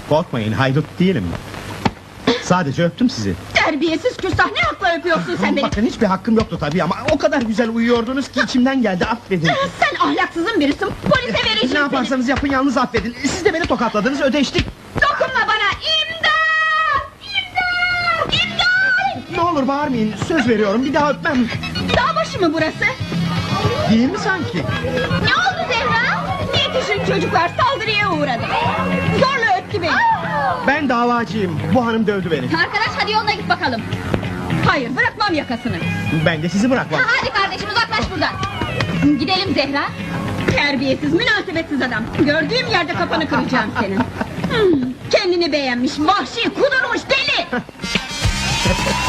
Korkmayın, haydut değilim. Sadece öptüm sizi. Terbiyesiz küstah, ne hakla öpüyorsun sen beni? Bakın hiçbir hakkım yoktu tabii ama o kadar güzel uyuyordunuz ki içimden geldi, affedin. Sen ahlaksızın birisin, polise vereceğim Ne yaparsanız yapın, yalnız affedin. Siz de beni tokatladınız, ödeştik. Dokunma bana, imdat! İmdat! İmdat! Ne olur bağırmayın, söz veriyorum, bir daha öpmem. Dağ başı mı burası? Değil mi sanki? Ne oldu Zehra? Yetişin çocuklar, saldırıya uğradı. Zorla öptü beni. Ben davacıyım, bu hanım dövdü beni. Arkadaş hadi yoluna git bakalım. Hayır, bırakmam yakasını. Ben de sizi bırakmam. Hadi kardeşim, uzaklaş buradan. Gidelim Zehra. Terbiyesiz, münasebetsiz adam. Gördüğüm yerde kafanı kıracağım senin. Kendini beğenmiş, vahşi, kudurmuş deli.